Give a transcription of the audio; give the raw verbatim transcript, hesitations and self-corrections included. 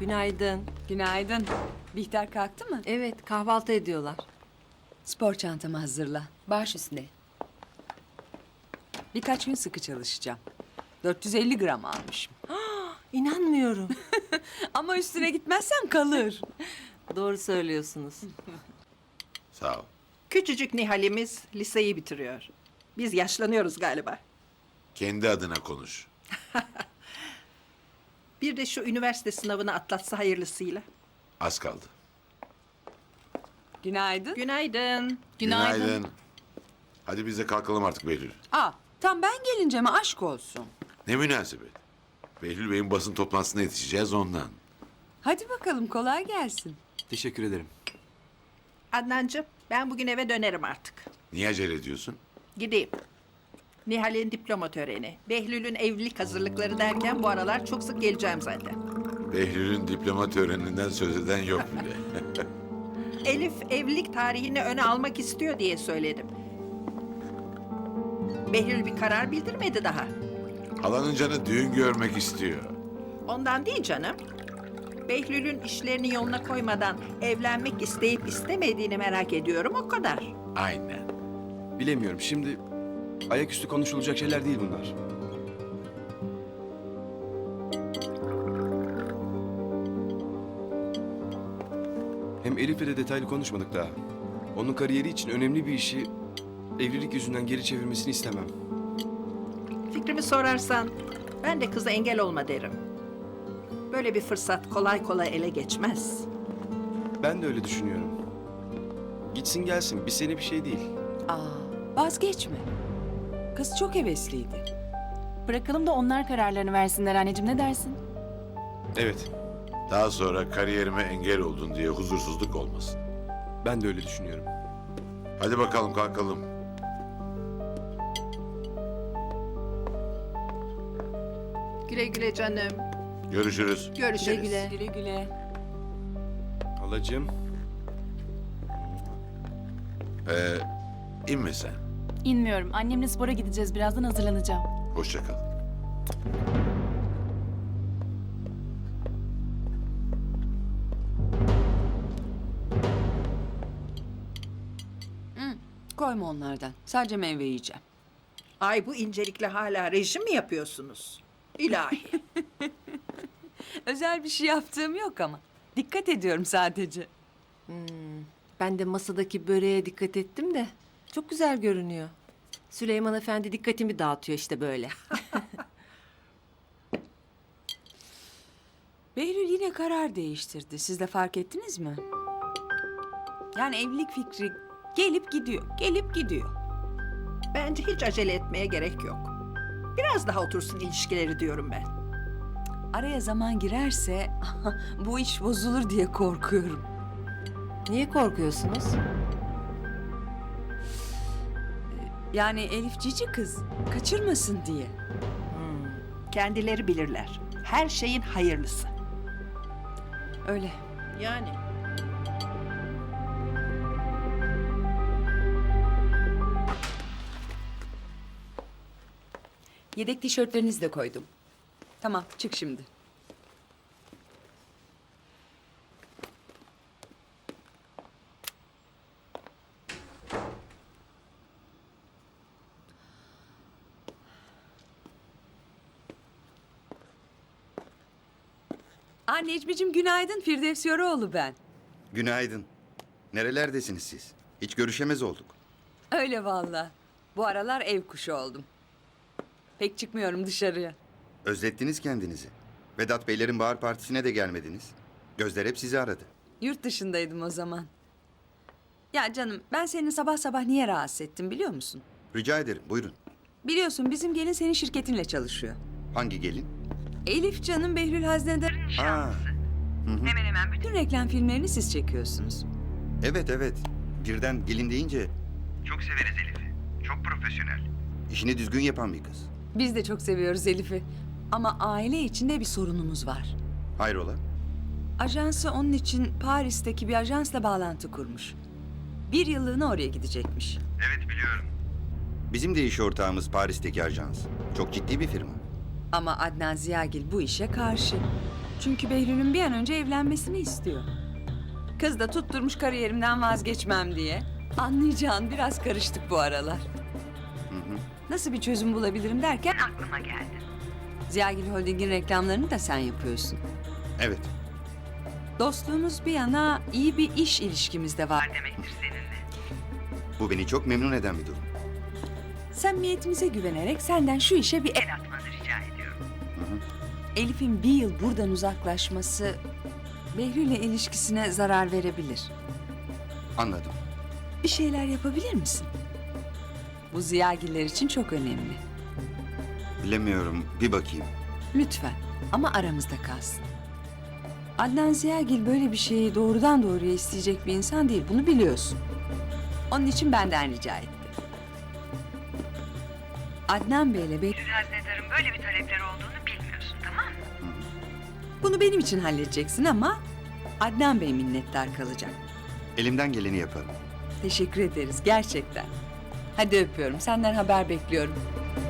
Günaydın. Günaydın. Bihter kalktı mı? Evet, kahvaltı ediyorlar. Spor çantamı hazırla. Baş üstüne. Birkaç gün sıkı çalışacağım. dört yüz elli gram almışım. İnanmıyorum. Ama üstüne gitmezsem kalır. Doğru söylüyorsunuz. Sağ ol. Küçücük Nihal'imiz liseyi bitiriyor. Biz yaşlanıyoruz galiba. Kendi adına konuş. Bir de şu üniversite sınavını atlatsa hayırlısıyla. Az kaldı. Günaydın. Günaydın. Günaydın. Hadi biz de kalkalım artık Behlül. Aa, tam ben gelince mi aşk olsun? Ne münasebet. Behlül Bey'in basın toplantısına yetişeceğiz ondan. Hadi bakalım kolay gelsin. Teşekkür ederim. Adnancığım, ben bugün eve dönerim artık. Niye acele ediyorsun? Gideyim. Nihal'in diploma töreni, Behlül'ün evlilik hazırlıkları derken bu aralar çok sık geleceğim zaten. Behlül'ün diploma töreninden söz eden yok bile. Elif evlilik tarihini öne almak istiyor diye söyledim. Behlül bir karar bildirmedi daha. Halanın canı düğün görmek istiyor. Ondan değil canım. Behlül'ün işlerini yoluna koymadan evlenmek isteyip istemediğini merak ediyorum, o kadar. Aynen. Bilemiyorum. Şimdi ayaküstü konuşulacak şeyler değil bunlar. Hem Elif'le de detaylı konuşmadık daha. Onun kariyeri için önemli bir işi evlilik yüzünden geri çevirmesini istemem. Fikrimi sorarsan ben de kıza engel olma derim. Böyle bir fırsat kolay kolay ele geçmez. Ben de öyle düşünüyorum. Gitsin gelsin. Bir sene bir şey değil. Aa, vazgeçme. Kız çok hevesliydi. Bırakalım da onlar kararlarını versinler anneciğim, ne dersin? Evet. Daha sonra kariyerime engel oldun diye huzursuzluk olmasın. Ben de öyle düşünüyorum. Hadi bakalım kalkalım. Güle güle canım. Görüşürüz. Görüşürüz. Güle güle. Güle güle. Halacığım. Ee, inme sen. İnmiyorum. Annemle spora gideceğiz. Birazdan hazırlanacağım. Hoşça kal. Koyma onlardan. Sadece meyve yiyeceğim. Ay, bu incelikle hala rejim mi yapıyorsunuz? İlahi. Özel bir şey yaptığım yok ama. Dikkat ediyorum sadece. Ben de masadaki böreğe dikkat ettim de çok güzel görünüyor. Süleyman Efendi dikkatimi dağıtıyor işte böyle. Behlül yine karar değiştirdi. Siz de fark ettiniz mi? Yani evlilik fikri gelip gidiyor, gelip gidiyor. Bence hiç acele etmeye gerek yok. Biraz daha otursun ilişkileri diyorum ben. Araya zaman girerse bu iş bozulur diye korkuyorum. Niye korkuyorsunuz? Yani Elif cici kız, kaçırmasın diye. Kendileri bilirler. Her şeyin hayırlısı. Öyle. Yani. Yedek tişörtlerinizi de koydum. Tamam, çık şimdi. Aa, Necmi'cim günaydın. Firdevs Yoroğlu ben. Günaydın. Nerelerdesiniz siz? Hiç görüşemez olduk. Öyle vallahi. Bu aralar ev kuşu oldum. Pek çıkmıyorum dışarıya. Özlettiniz kendinizi. Vedat Beylerin bahar partisine de gelmediniz. Gözler hep sizi aradı. Yurt dışındaydım o zaman. Ya canım, ben seni sabah sabah niye rahatsız ettim biliyor musun? Rica ederim, buyurun. Biliyorsun bizim gelin senin şirketinle çalışıyor. Hangi gelin? Elif canım Behlül Haznedar'ın Ha, hemen hemen bütün reklam filmlerini siz çekiyorsunuz. evet evet. Birden gelin deyince Çok severiz Elif'i. Çok profesyonel. işini düzgün yapan bir kız. Biz de çok seviyoruz Elif'i. Ama aile içinde bir sorunumuz var. Hayrola? Ajansı onun için Paris'teki bir ajansla bağlantı kurmuş. Bir yıllığına oraya gidecekmiş. Evet biliyorum. Bizim de iş ortağımız Paris'teki ajans. Çok ciddi bir firma. Ama Adnan Ziyagil bu işe karşı. Çünkü Behlül'ün bir an önce evlenmesini istiyor. Kız da tutturmuş kariyerimden vazgeçmem diye. Anlayacağın biraz karıştık bu aralar. Nasıl bir çözüm bulabilirim derken aklıma geldi. Ziyagil Holding'in reklamlarını da sen yapıyorsun. Evet. Dostluğumuz bir yana iyi bir iş ilişkimiz de var demektir seninle. Bu beni çok memnun eden bir durum. Samimiyetimize güvenerek senden şu işe bir el atmanı rica ediyorum. Elif'in bir yıl buradan uzaklaşması Behlül'le ilişkisine zarar verebilir. Anladım. Bir şeyler yapabilir misin? Bu Ziyagiller için çok önemli. Bilemiyorum. Bir bakayım. Lütfen ama aramızda kalsın. Adnan Ziyagil böyle bir şeyi doğrudan doğruya isteyecek bir insan değil. Bunu biliyorsun. Onun için benden rica etti. Adnan Bey'le Behlül Haznedar'ın böyle bir talepleri olduğunu bilmiyorsun, tamam mı? Bunu benim için halledeceksin ama Adnan Bey minnettar kalacak. Elimden geleni yaparım. Teşekkür ederiz gerçekten. Hadi öpüyorum. Senden haber bekliyorum.